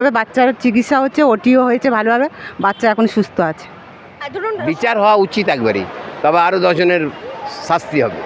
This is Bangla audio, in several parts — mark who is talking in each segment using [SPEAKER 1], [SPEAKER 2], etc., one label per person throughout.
[SPEAKER 1] বাচ্চার চিকিৎসা হচ্ছে, ওটিও হয়েছে ভালোভাবে, বাচ্চা এখন সুস্থ আছে।
[SPEAKER 2] বিচার হওয়া উচিত একবারই, তবে আরও 10 জনের শাস্তি হবে।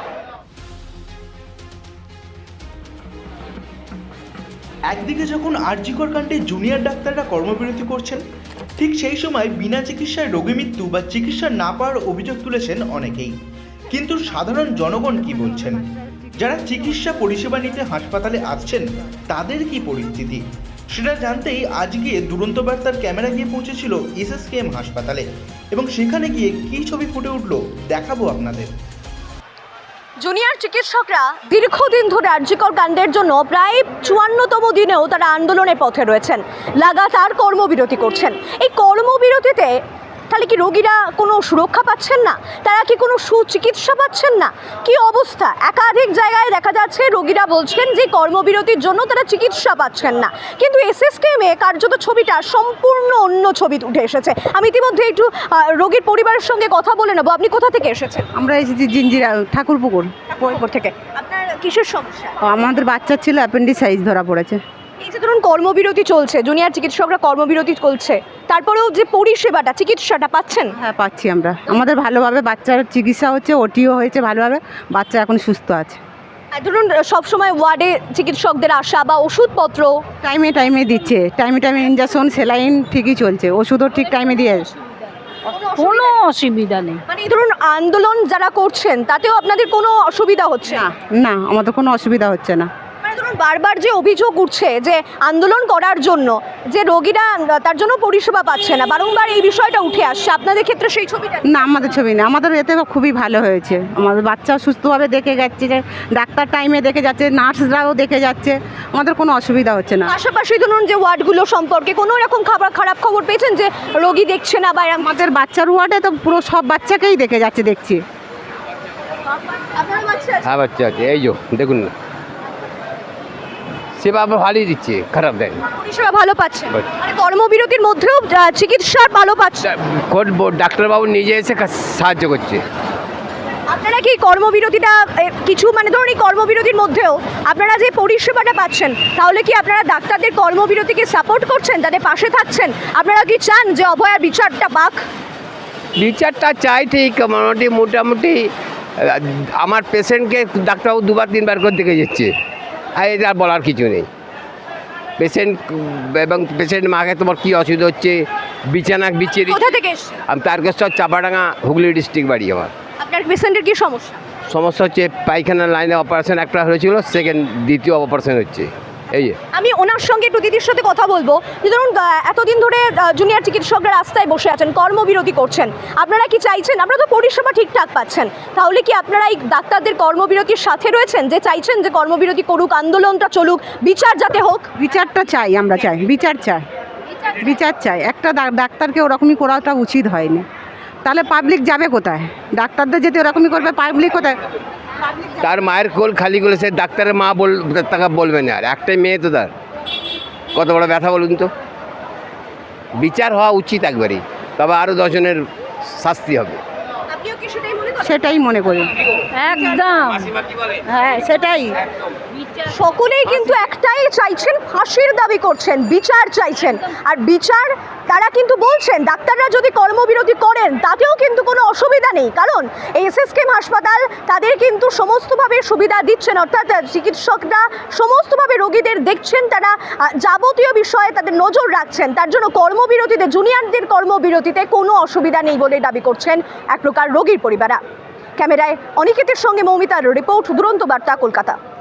[SPEAKER 3] একদিকে যখন আরজিকর কাণ্ডে জুনিয়র ডাক্তাররা কর্মবিরতি করছেন, ঠিক সেই সময় বিনা চিকিৎসায় রোগী মৃত্যু বা চিকিৎসা না পাওয়ার অভিযোগ তুলেছেন অনেকেই। কিন্তু সাধারণ জনগণ কি বলছেন? যারা চিকিৎসা পরিষেবা নিতে হাসপাতালে আসছেন তাদের কি পরিস্থিতি, সেটা জানতেই আজকে দুরন্ত বার্তার ক্যামেরা গিয়ে পৌঁছেছিল এসএসকেএম হাসপাতালে, এবং সেখানে গিয়ে কী ছবি ফুটে উঠল দেখাবো আপনাদের।
[SPEAKER 4] জুনিয়র চিকিৎসকরা দীর্ঘদিন ধরে আরজিকর কাণ্ডের জন্য প্রায় 54তম দিনেও তারা আন্দোলনের পথে রয়েছেন, লাগাতার কর্মবিরতি করছেন। এই কর্মবিরতিতে তাহলে কি রোগীরা কোনো সুরক্ষা পাচ্ছেন না? তারা কি কোনো সুচিকিৎসা পাচ্ছেন না? কি অবস্থা? একাধিক জায়গায় দেখা যাচ্ছে রোগীরা বলছেন যে কর্মবিরতির জন্য তারা চিকিৎসা পাচ্ছেন না, কিন্তু এসএসকেএমে কার্যত ছবিটা সম্পূর্ণ অন্য ছবি উঠে এসেছে। আমি ইতিমধ্যে একটু রোগীর পরিবারের সঙ্গে কথা বলে নেবো। আপনি কোথা থেকে এসেছেন?
[SPEAKER 1] আমরা এসেছি জিঞ্জিরা, ঠাকুরপুকুর
[SPEAKER 4] থেকে। আপনার কিসের সমস্যা?
[SPEAKER 1] আমাদের বাচ্চা ছিল অ্যাপেন্ডিসাইজ ধরা পড়েছে।
[SPEAKER 4] এই যে ধরুন কর্মবিরতি চলছে, জুনিয়র চিকিৎসকরা কর্মবিরতি চলছে, তারপরেও যে পরিষেবাটা, চিকিৎসাটা পাচ্ছেন?
[SPEAKER 1] হ্যাঁ, পাচ্ছি আমরা। আমাদের ভালোভাবে বাচ্চার চিকিৎসা হচ্ছে, ওটিও হয়েছে ভালোভাবে, বাচ্চা এখন সুস্থ আছে।
[SPEAKER 4] আর ধরুন সবসময় ওয়ার্ডে চিকিৎসকদের আসা বা ওষুধপত্র
[SPEAKER 1] টাইমে টাইমে দিচ্ছে, টাইমে টাইমে ইনজেকশন, সেলাইন ঠিকই চলছে, ওষুধও ঠিক টাইমে দিয়ে।
[SPEAKER 5] কোনো অসুবিধা নেই।
[SPEAKER 4] মানে এই ধরুন আন্দোলন যারা করছেন তাতেও আপনাদের কোনো অসুবিধা হচ্ছে না?
[SPEAKER 1] না, আমাদের কোনো অসুবিধা হচ্ছে না।
[SPEAKER 4] মানে ধরুন বারবার যে অভিযোগ উঠছে যে আন্দোলন করার জন্য যে রোগীরা তার জন্য পরিষেবা পাচ্ছে না, বারংবার এই বিষয়টা উঠে আসছে, আপনাদের ক্ষেত্রে সেই ছবিটা?
[SPEAKER 1] না, আমাদের ছবি না, আমাদের এতে খুবই ভালো হয়েছে। আমাদের বাচ্চা সুস্থভাবে দেখে যাচ্ছে, যে ডাক্তার টাইমে দেখে যাচ্ছে, নার্সরাও দেখে যাচ্ছে, আমাদের কোনো অসুবিধা হচ্ছে না।
[SPEAKER 4] পাশাপাশি ধরুন যে ওয়ার্ডগুলো সম্পর্কে কোনো রকম খারাপ খবর পেয়েছেন যে রোগী দেখছে না বা
[SPEAKER 1] আমাদের বাচ্চার ওয়ার্ডে তো পুরো সব বাচ্চাকেই দেখে যাচ্ছে, দেখছি।
[SPEAKER 2] হ্যাঁ, বাচ্চা আছে, এই যে দেখুন না, সেবা ভালোই দিচ্ছে, খারাপ দেয়।
[SPEAKER 4] পরিষেবা ভালো পাচ্ছে, মানে কর্মবিরতির মধ্যেও চিকিৎসা ভালো পাচ্ছে।
[SPEAKER 2] ডাক্তারবাবু নিজে এসে সাহায্য করছে।
[SPEAKER 4] আপনারা কি কর্মবিরতিটা কিছু, মানে ধরুন এই কর্মবিরতির মধ্যেও আপনারা যে পরিষেবাটা পাচ্ছেন, তাহলে কি আপনারা ডাক্তারদের কর্মবিরতিকে সাপোর্ট করছেন, তাদের পাশে থাকছেন? আপনারা কি চান যে অভয়ার বিচারটা পাক?
[SPEAKER 2] বিচারটা চাই ঠিক, মোটামুটি আমার পেশেন্টকে ডাক্তারবাবু 2-3 বার করে দেখে যাচ্ছে, আর এটা বলার কিছু নেই। পেশেন্ট এবং পেশেন্ট মাকে তোমার কী অসুবিধা হচ্ছে, বিছানা বিছিয়ে।
[SPEAKER 4] কোথা থেকে এসেছেন?
[SPEAKER 2] আমি তারকেশ্বর, চাপাডাঙ্গা, হুগলি ডিস্ট্রিক্ট বাড়ি আমার।
[SPEAKER 4] আপনার পেশেন্টের কি সমস্যা?
[SPEAKER 2] সমস্যা হচ্ছে পায়খানার লাইনে অপারেশন একটা হয়েছিল, দ্বিতীয় অপারেশন হচ্ছে। এই যে
[SPEAKER 4] আমি ওনার সঙ্গে একটু দিদির সাথে কথা বলবো, যে ধরুন এতদিন ধরে জুনিয়র চিকিৎসকরা রাস্তায় বসে আছেন, কর্মবিরতি করছেন, আপনারা কি চাইছেন? আপনারা তো পরিষেবা ঠিকঠাক পাচ্ছেন, তাহলে কি আপনারা এই ডাক্তারদের কর্মবিরতির সাথে রয়েছেন, যে চাইছেন যে কর্মবিরতি করুক, আন্দোলনটা চলুক, বিচার যাতে হোক?
[SPEAKER 1] বিচারটা চাই, আমরা চাই, বিচার চাই, বিচার চাই। একটা ডাক্তারকে ওরকমই করাটা উচিত হয়নি, তাহলে পাবলিক যাবে কোথায়? ডাক্তারদের যেতে ওরকমই করবে, পাবলিক কোথায়?
[SPEAKER 2] তার মায়ের কোল খালি করে সে ডাক্তারের মা তাকে বলবে না, আর একটাই মেয়ে তো, তার কত বড় ব্যথা বলুন তো। বিচার হওয়া উচিত একবারই, তবে আরও 10 জনের শাস্তি হবে।
[SPEAKER 1] সেটাই মনে করি,
[SPEAKER 5] একদম।
[SPEAKER 1] হ্যাঁ সেটাই।
[SPEAKER 4] সকলেই কিন্তু একটাই চাইছেন, ফাঁসির দাবি করছেন, বিচার চাইছেন। আর বিচার তারা কিন্তু বলছেন ডাক্তাররা যদি কর্মবিরতি করেন তাতেও কিন্তু কোনো অসুবিধা নেই, কারণ এসএসকেএম হাসপাতাল তাদের কিন্তু সমস্তভাবে সুবিধা দিচ্ছেন, অর্থাৎ চিকিৎসকরা সমস্তভাবে রোগীদের দেখছেন, তারা যাবতীয় বিষয়ে তাদের নজর রাখছেন, তার জন্য কর্মবিরতিতে, জুনিয়রদের কর্মবিরতিতে কোনো অসুবিধা নেই বলে দাবি করছেন এক প্রকার রোগীর পরিবারা। ক্যামেরায় অনিকেতের সঙ্গে মৌমিতার রিপোর্ট, দুরন্ত বার্তা, কলকাতা।